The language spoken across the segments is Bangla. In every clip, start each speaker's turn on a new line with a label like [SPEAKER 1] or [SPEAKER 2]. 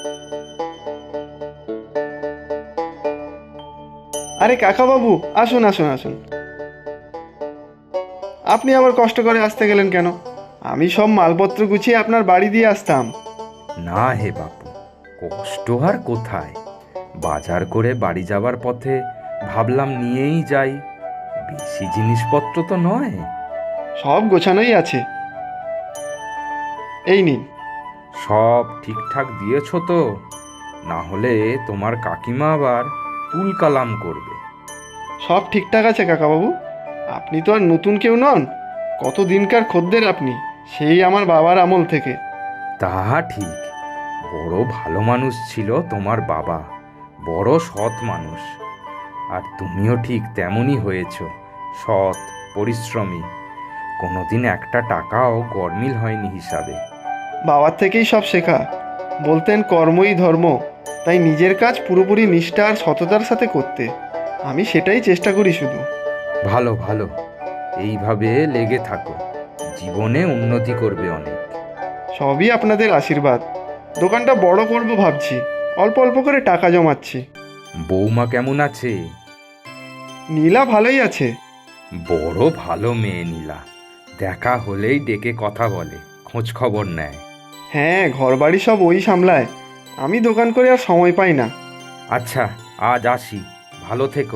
[SPEAKER 1] আরে কাকাবাবু, আসুন আসুন আসুন। আপনি আবার কষ্ট করে আসতে গেলেন কেন? আমি সব মালপত্র গুছিয়ে আপনার বাড়ি দিয়ে আসতাম।
[SPEAKER 2] না হে বাপু, কষ্ট আর কোথায়। বাজার করে বাড়ি যাবার পথে ভাবলাম নিয়েই যাই, বেশি জিনিসপত্র তো নয়।
[SPEAKER 1] সব গোছানোই আছে, এই নিন।
[SPEAKER 2] সব ঠিকঠাক দিয়েছো তো? না হলে তোমার কাকিমা আবার তুল কালাম করবে।
[SPEAKER 1] সব ঠিকঠাক আছে কাকাবাবু। আপনি তো আর নতুন কেউ নন, কত দিনকার খদ্দের আপনি, সেই আমার বাবার আমল থেকে।
[SPEAKER 2] তা ঠিক, বড় ভালো মানুষ ছিল তোমার বাবা, বড় সৎ মানুষ। আর তুমিও ঠিক তেমনই হয়েছ, সৎ, পরিশ্রমী। কোনোদিন একটা টাকাও গরমিল হয়নি হিসাবে।
[SPEAKER 1] বাবার থেকেই সব শেখা। বলতেন কর্মই ধর্ম, তাই নিজের কাজ পুরোপুরি নিষ্ঠা আর সততার সাথে করতে। আমি সেটাই চেষ্টা করি শুধু।
[SPEAKER 2] ভালো ভালো, এইভাবে লেগে থাকো, জীবনে উন্নতি করবে অনেক।
[SPEAKER 1] সবই আপনাদের আশীর্বাদ। দোকানটা বড় করব ভাবছি, অল্প অল্প করে টাকা জমাচ্ছি।
[SPEAKER 2] বৌমা কেমন আছে?
[SPEAKER 1] নীলা ভালোই আছে।
[SPEAKER 2] বড় ভালো মেয়ে নীলা, দেখা হলেই ডেকে কথা বলে, খোঁজ খবর নেয়।
[SPEAKER 1] হ্যাঁ, ঘরবাড়ি সব ওই সামলায়, আমি দোকান করে আর সময় পাই না।
[SPEAKER 2] আচ্ছা, আজ আসি, ভালো থেকো।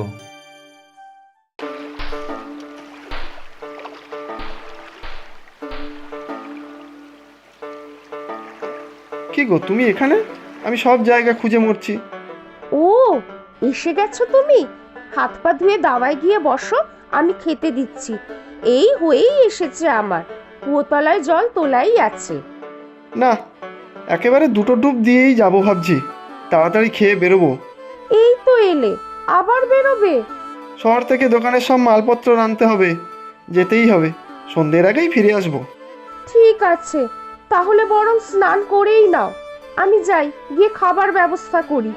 [SPEAKER 1] কি গো, তুমি এখানে? আমি সব জায়গা খুঁজে মরছি।
[SPEAKER 3] ও, এসে গেছো তুমি? হাত পা ধুয়ে দাওয়ায় গিয়ে বসো, আমি খেতে দিচ্ছি। এই হয়েই এসেছে আমার, কুয়োতলায় জল তোলাই আছে।
[SPEAKER 1] না, একেবারে দুটো ডুব দিয়েই যাব ভাবছি, তাড়াতাড়ি খেয়ে বেরোবো।
[SPEAKER 3] এই তো এলে, আবার বেরোবে?
[SPEAKER 1] শহর থেকে দোকানের সব মালপত্র আনতে হবে, যেতেই হবে। সন্ধ্যের আগেই ফিরে আসবো।
[SPEAKER 3] ঠিক আছে, তাহলে বরং স্নান করেই নাও। আমি যাই, গিয়ে খাবার ব্যবস্থা করি।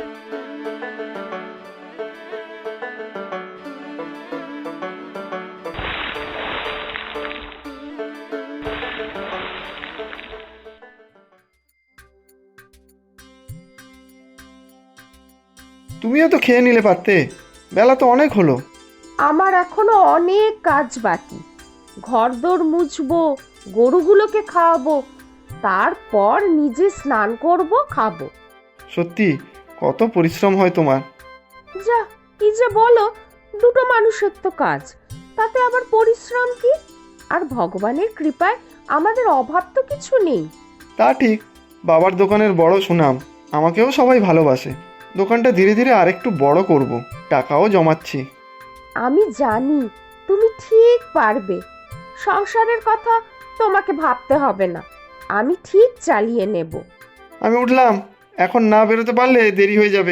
[SPEAKER 1] তুমিও তো খেয়ে নিলে পারতে, বেলা তো অনেক হলো।
[SPEAKER 3] আমার এখনো অনেক কাজ বাকি। ঘরদোর মুছবো, গরুগুলোকে খাওয়াবো, তারপর নিজে স্নান করব, খাবো।
[SPEAKER 1] সত্যি, কত পরিশ্রম হয় তোমার।
[SPEAKER 3] যা, কি যে বলো, দুটো মানুষের তো কাজ, তাতে আবার পরিশ্রম কি? আর ভগবানের কৃপায় আমাদের অভাব তো কিছু নেই।
[SPEAKER 1] তা ঠিক, বাবার দোকানের বড় সুনাম, আমাকেও সবাই ভালোবাসে। দোকানটা ধীরে ধীরে আরেকটু বড় করব, টাকাও জমাচ্ছি।
[SPEAKER 3] আমি জানি তুমি ঠিক পারবে। সংসারের কথা তোমাকে ভাবতে হবে না, আমি ঠিক চালিয়ে নেব।
[SPEAKER 1] আমি উঠলাম, এখন না বেরোতে পারলে দেরি হয়ে যাবে।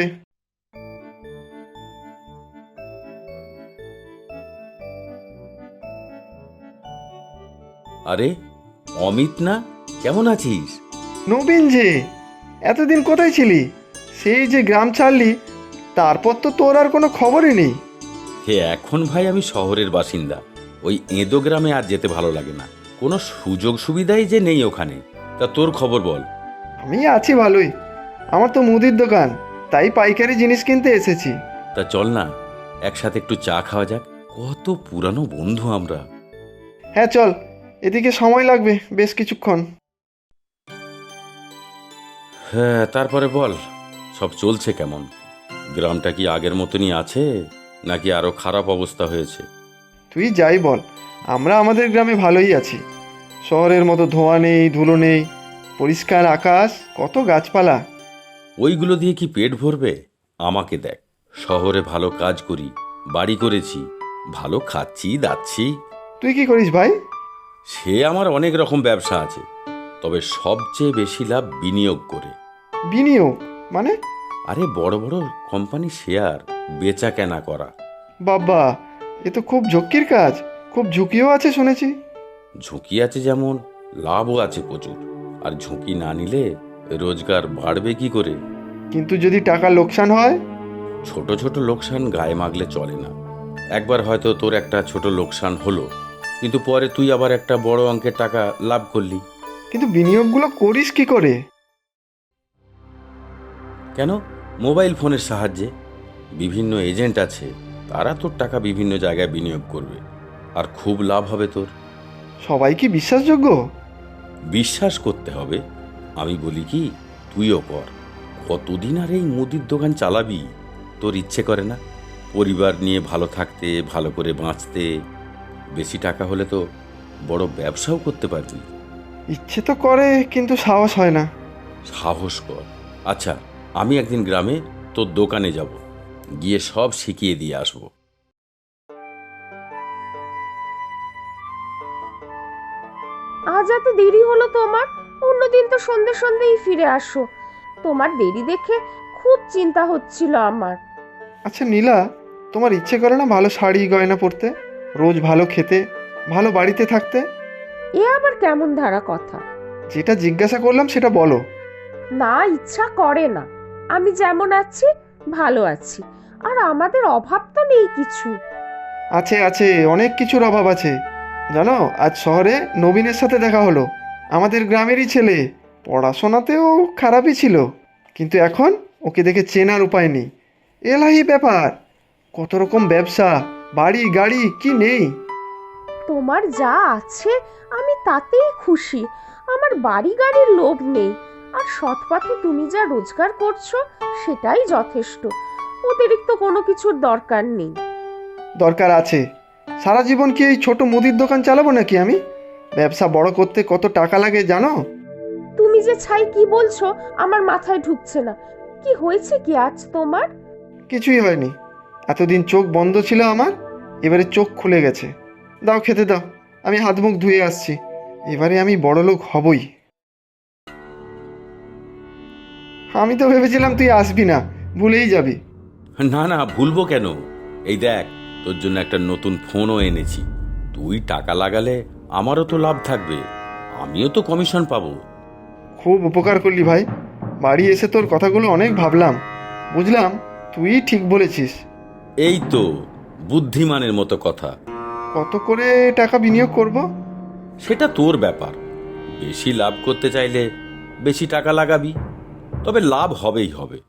[SPEAKER 4] আরে, অমিত না? কেমন আছিস?
[SPEAKER 1] নবীন যে, এতদিন কোথায় ছিলি? সেই যে গ্রাম ছাড়লি, তারপর তো তোর আর কোনো খবরই নেই।
[SPEAKER 4] হে, এখন ভাই আমি শহরের বাসিন্দা, ওই এঁদো গ্রামে আর যেতে ভালো লাগে না, কোনো সুযোগ সুবিধাই যে নেই ওখানে। তা তোর খবর বল।
[SPEAKER 1] আমি আছি ভালোই, আমার তো মুদির দোকান, তাই পাইকারি জিনিস কিনতে এসেছি।
[SPEAKER 4] তা চল না, একসাথে একটু চা খাওয়া যাক, কত পুরানো বন্ধু আমরা।
[SPEAKER 1] হ্যাঁ চল, এদিকে সময় লাগবে বেশ কিছুক্ষণ।
[SPEAKER 4] হ্যাঁ, তারপরে বল, সব চলছে কেমন? গ্রামটা কি আগের মতনই আছে, নাকি আরো খারাপ অবস্থা হয়েছে?
[SPEAKER 1] তুই যাই বল, আমরা আমাদের গ্রামে ভালোই আছি। শহরের মতো ধোঁয়া নেই, ধুলো নেই, পরিষ্কার আকাশ, কত গাছপালা।
[SPEAKER 4] ওইগুলো দিয়ে কি পেট ভরবে? আমাকে দেখ, শহরে ভালো কাজ করি, বাড়ি করেছি, ভালো খাচ্ছি দাচ্ছি।
[SPEAKER 1] তুই কি করিস ভাই?
[SPEAKER 4] সে আমার অনেক রকম ব্যবসা আছে, তবে সবচেয়ে বেশি লাভ বিনিয়োগ করে।
[SPEAKER 1] বিনিয়োগ মানে?
[SPEAKER 4] আরে, বড় বড় কোম্পানি শেয়ার বেচা কেনা করা।
[SPEAKER 1] বাবা, এ তো খুব ঝক্কির কাজ, খুব ঝুঁকিও আছে শুনেছি।
[SPEAKER 4] ঝুঁকি আছে যেমন, লাভও আছে প্রচুর। আর ঝুঁকি না নিলে রোজগার বাড়বে কি করে?
[SPEAKER 1] কিন্তু যদি টাকা লোকসান হয়?
[SPEAKER 4] ছোট ছোট লোকসান গায়ে মাগলে চলে না। একবার হয়তো তোর একটা ছোট লোকসান হলো, কিন্তু পরে তুই আবার একটা বড় অঙ্কের টাকা লাভ করলি।
[SPEAKER 1] কিন্তু বিনিয়োগগুলো করিস কি করে?
[SPEAKER 4] কেন? মোবাইল ফোনের সাহায্যে বিভিন্ন এজেন্ট আছে, তারা তোর টাকা বিভিন্ন জায়গায় বিনিয়োগ করবে, আর খুব লাভ হবে তোর।
[SPEAKER 1] সবাই কি বিশ্বাসযোগ্য?
[SPEAKER 4] বিশ্বাস করতে হবে। আমি বলি কি, তুইও কর। কতদিন আর এই মুদির দোকান চালাবি? তোর ইচ্ছে করে না পরিবার নিয়ে ভালো থাকতে, ভালো করে বাঁচতে? বেশি টাকা হলে তো বড় ব্যবসাও করতে পারবি।
[SPEAKER 1] ইচ্ছে তো করে, কিন্তু সাহস হয় না।
[SPEAKER 4] সাহস কর। আচ্ছা, আমি একদিন গ্রামে তোর দোকানে যাব, গিয়ে সব শিখিয়ে দিয়ে আসবো।
[SPEAKER 3] আজ এত দেরি হলো তোমার? অন্যদিন তো সন্ধে সন্ধেই ফিরে আসো। তোমার দেরি দেখে খুব চিন্তা হচ্ছিল আমার।
[SPEAKER 1] আচ্ছা নীলা, তোমার ইচ্ছে করে না ভালো শাড়ি গয়না পরতে, রোজ ভালো খেতে, ভালো বাড়িতে থাকতে?
[SPEAKER 3] এ আবার কেমন ধারা কথা?
[SPEAKER 1] যেটা জিজ্ঞাসা করলাম সেটা বলো।
[SPEAKER 3] না, ইচ্ছা করে না। আমি যেমন আছি ভালো আছি, আর আমাদের অভাব তো নেই কিছু।
[SPEAKER 1] আছে আছে, অনেক কিছুর অভাব আছে। জানো, আজ শহরে নবীনের সাথে দেখা হলো। আমাদের গ্রামেরই ছেলে। পড়াশোনাতেও খারাপই ছিল, কিন্তু এখন ওকে দেখে চেনার উপায় নেই। এলাহি ব্যাপার, কত রকম ব্যবসা, বাড়ি গাড়ি কি নেই।
[SPEAKER 3] তোমার যা আছে আমি তাতেই খুশি। আমার বাড়ি গাড়ির লোভ নেই, আর সৎ পথে তুমি যা রোজগার করছো সেটাই যথেষ্ট। অতিরিক্ত কোনো কিছুর দরকার নেই।
[SPEAKER 1] দরকার আছে। সারা জীবন কি এই ছোট মুদির দোকান চালাবো নাকি আমি? ব্যবসা বড় করতে কত টাকা লাগে জানো?
[SPEAKER 3] তুমি যে ছাই কি বলছো আমার মাথায় ঢুকছে না। কি হয়েছে কি আজ তোমার?
[SPEAKER 1] কিছুই হয়নি। এতদিন চোখ বন্ধ ছিল আমার, এবারে চোখ খুলে গেছে। দাও খেতে দাও, আমি হাত মুখ ধুয়ে আসছি। এবারে আমি বড়লোক হবই। আমি তো ভেবেছিলাম তুই আসবি না, ভুলেই যাবি।
[SPEAKER 4] না না, ভুলবো কেন? এই দেখ, তোর জন্য একটা নতুন ফোনও এনেছি। তুই টাকা লাগালে আমারও তো লাভ থাকবে, আমিও তো কমিশন পাবো।
[SPEAKER 1] খুব উপকার করলি ভাই। বাড়ি এসে তোর কথাগুলো অনেক ভাবলাম, বুঝলাম তুই ঠিক বলেছিস।
[SPEAKER 4] এই তো বুদ্ধিমানের মতো কথা।
[SPEAKER 1] কত করে টাকা বিনিয়োগ করব?
[SPEAKER 4] সেটা তোর ব্যাপার। বেশি লাভ করতে চাইলে বেশি টাকা লাগাবি, তবে লাভ হবেই হবে।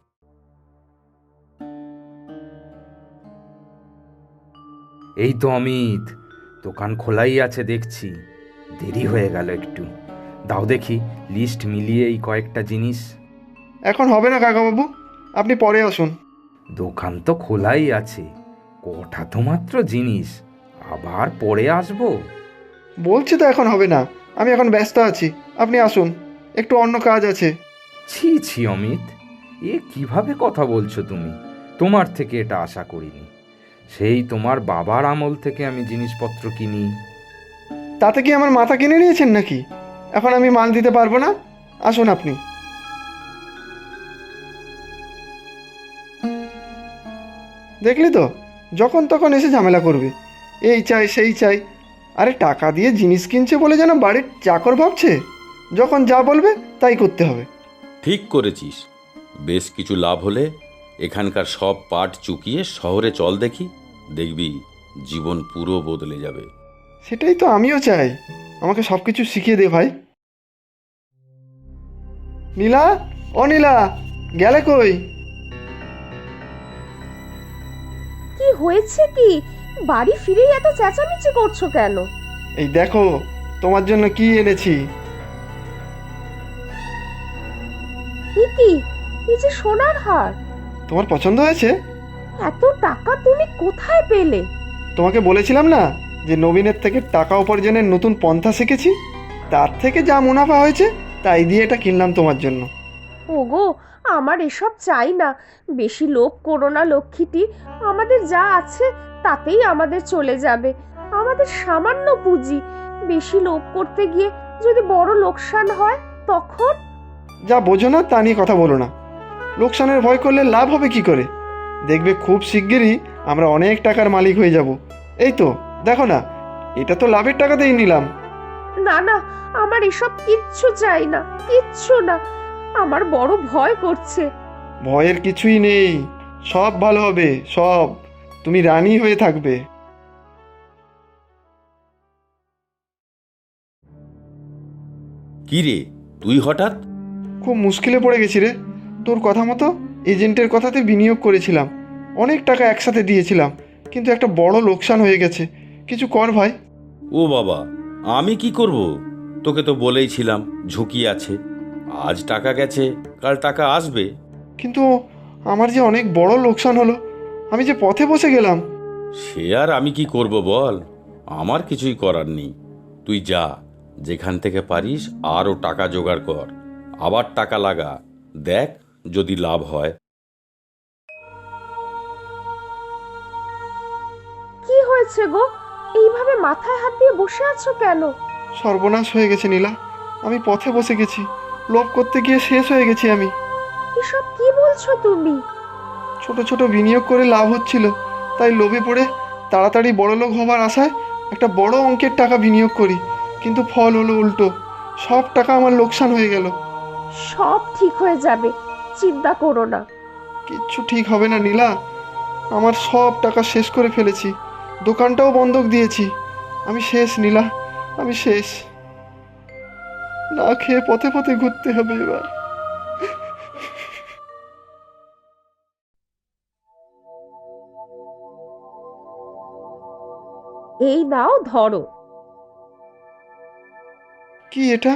[SPEAKER 2] এই তো অমিত, দোকান খোলাই আছে দেখছি। দেরি হয়ে গেল একটু। দাও দেখি লিস্ট মিলিয়ে এই কয়েকটা জিনিস।
[SPEAKER 1] এখন হবে না কাকাবাবু, আপনি পরে আসুন।
[SPEAKER 2] দোকান তো খোলাই আছে, কটা তো মাত্র জিনিস, আবার পরে আসবো?
[SPEAKER 1] বলছি তো এখন হবে না, আমি এখন ব্যস্ত আছি। আপনি আসুন, একটু অন্য কাজ আছে।
[SPEAKER 2] ছি ছি অমিত, এ কিভাবে কথা বলছো তুমি? তোমার থেকে এটা আশা করিনি। সেই তোমার বাবার আমল থেকে আমি জিনিসপত্র কিনি।
[SPEAKER 1] তাতে কি আমার মাথা কিনে নিয়েছেন নাকি? এখন আমি মাল দিতে পারবো না। আসুন আপনি। দেখলি তো, যখন তখন এসে ঝামেলা করবে। এই চাই সেই চাই। আরে টাকা দিয়ে জিনিস কিনছে বলে যেন বাড়ির চাকর ভাবছে। যখন যা বলবে তাই করতে হবে।
[SPEAKER 4] ঠিক করেছিস। বেশ কিছু লাভ হলে এখানকার সব পাট চুকিয়ে শহরে চল দেখি, দেখবি জীবন পুরো বদলে যাবে।
[SPEAKER 1] সেটাই তো আমিও চাই। আমাকে সব কিছু শিখিয়ে দে ভাই। নীলা, ও নীলা, গেলে কই?
[SPEAKER 3] কি হয়েছে কি? বাড়ি ফিরেই এত চেঁচামেচি করছো কেন?
[SPEAKER 1] এই দেখো, তোমার জন্য কি এনেছি।
[SPEAKER 3] এ কি? এই যে সোনার হার!
[SPEAKER 1] তোমার পছন্দ হয়েছে?
[SPEAKER 3] এত টাকা তুমি কোথায় পেলে?
[SPEAKER 1] তোমাকে বলেছিলাম না যে নবীনের থেকে টাকা উপার্জনের নতুন পন্থা শিখেছি। তার থেকে যা মুনাফা হয়েছে তাই দিয়ে এটা কিনলাম তোমার জন্য।
[SPEAKER 3] ওগো, আমার এসব চাই না। বেশি লোভ করো না লক্ষ্মীটি। আমাদের যা আছে তাতেই আমাদের চলে যাবে। আমাদের সামান্য পুঁজি। বেশি লোভ করতে গিয়ে যদি বড় লোকসান হয় তখন?
[SPEAKER 1] যা বোঝো না তা নিয়ে কথা বলো না। লোকসানের ভয় করলে লাভ হবে কি করে? দেখবে খুব শিগগিরই আমরা অনেক টাকার মালিক হয়ে যাব। এই তো দেখো না, এটা তো লাভের টাকাতেই নিলাম।
[SPEAKER 3] না না, আমার এসব কিচ্ছু চাই না, কিচ্ছু না। আমার বড় ভয় করছে।
[SPEAKER 1] ভয়ের কিছুই নেই, সব ভালো হবে সব। তুমি রানী হয়ে থাকবে।
[SPEAKER 4] কি রে, তুই হঠাৎ?
[SPEAKER 1] খুব মুশকিলে পড়ে গেছি রে। তোর কথা মতো এজেন্টের কথাতে বিনিয়োগ করেছিলাম, অনেক টাকা একসাথে দিয়েছিলাম, কিন্তু একটা বড় লোকসান হয়ে গেছে। কিছু কর ভাই।
[SPEAKER 4] ও বাবা, আমি কি করব? তোকে তো বলেইছিলাম ঝুঁকি আছে। আজ টাকা গেছে, কাল টাকা আসবে।
[SPEAKER 1] কিন্তু আমার যে অনেক বড় লোকসান হলো, আমি যে পথে বসে গেলাম।
[SPEAKER 4] সে আর আমি কি করব বল? আমার কিছুই করার নেই। তুই যা, যেখান থেকে পারিস আরও টাকা জোগাড় কর, আবার টাকা লাগা, দেখ যদি লাভ হয়।
[SPEAKER 3] কি হয়েছে গো? এইভাবে মাথায় হাত দিয়ে বসে আছো কেন?
[SPEAKER 1] সর্বনাশ হয়ে গেছে নীলা, আমি পথে বসে গেছি। লোভ করতে গিয়ে শেষ হয়ে গেছি আমি।
[SPEAKER 3] এসব কি বলছো তুমি?
[SPEAKER 1] ছোট ছোট বিনিয়োগ করে লাভ হচ্ছিল, তাই লোভে পড়ে তাড়াতাড়ি বড়লোক হবার আশায় একটা বড় অঙ্কের টাকা বিনিয়োগ করি, কিন্তু ফল হলো উল্টো। সব টাকা আমার লোকসান হয়ে গেল।
[SPEAKER 3] সব ঠিক হয়ে যাবে, চিন্তা করো না।
[SPEAKER 1] কিচ্ছু ঠিক হবে না নীলা, আমার সব টাকা শেষ করে ফেলেছি, দোকানটাও বন্ধক দিয়েছি। আমি শেষ নীলা, আমি শেষ। না খেয়ে পথে পথে ঘুরতে হবে এবার।
[SPEAKER 3] এই নাও ধরো।
[SPEAKER 1] কি এটা?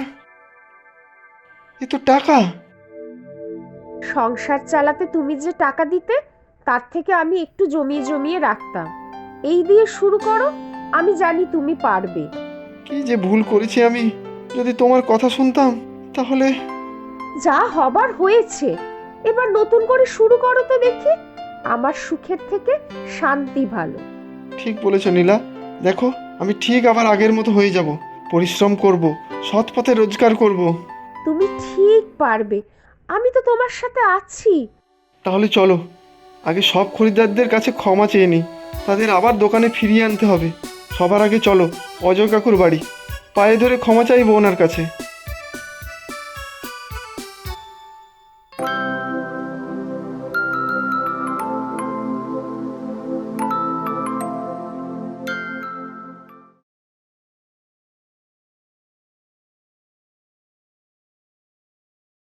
[SPEAKER 1] এ তো টাকা।
[SPEAKER 3] সংসার চালাতে তুমি যে টাকা দিতে, তার থেকে আমি একটু জমিয়ে জমিয়ে রাখতাম। এই দিয়ে শুরু করো, আমি জানি তুমি পারবে।
[SPEAKER 1] কি যে ভুল করেছি আমি, যদি তোমার কথা শুনতাম তাহলে।
[SPEAKER 3] যা হবার হয়েছে, এবার নতুন করে শুরু করো তো দেখি। আমার সুখের থেকে শান্তি ভালো।
[SPEAKER 1] ঠিক বলেছ নীলা, দেখো আমি ঠিক আবার আগের মতো হয়ে যাব। পরিশ্রম করব, সৎ পথে রোজগার করব।
[SPEAKER 3] তুমি ঠিক পারবে, আমি তো তোমার সাথে আছি।
[SPEAKER 1] তাহলে চলো, আগে সব খরিদ্দারদের কাছে ক্ষমা চেয়ে নিই, তাদের আবার দোকানে ফিরিয়ে আনতে হবে। সবার আগে চলো অজয় কাকুর বাড়ি, পায়ে ধরে ক্ষমা চাইবো ওনার কাছে।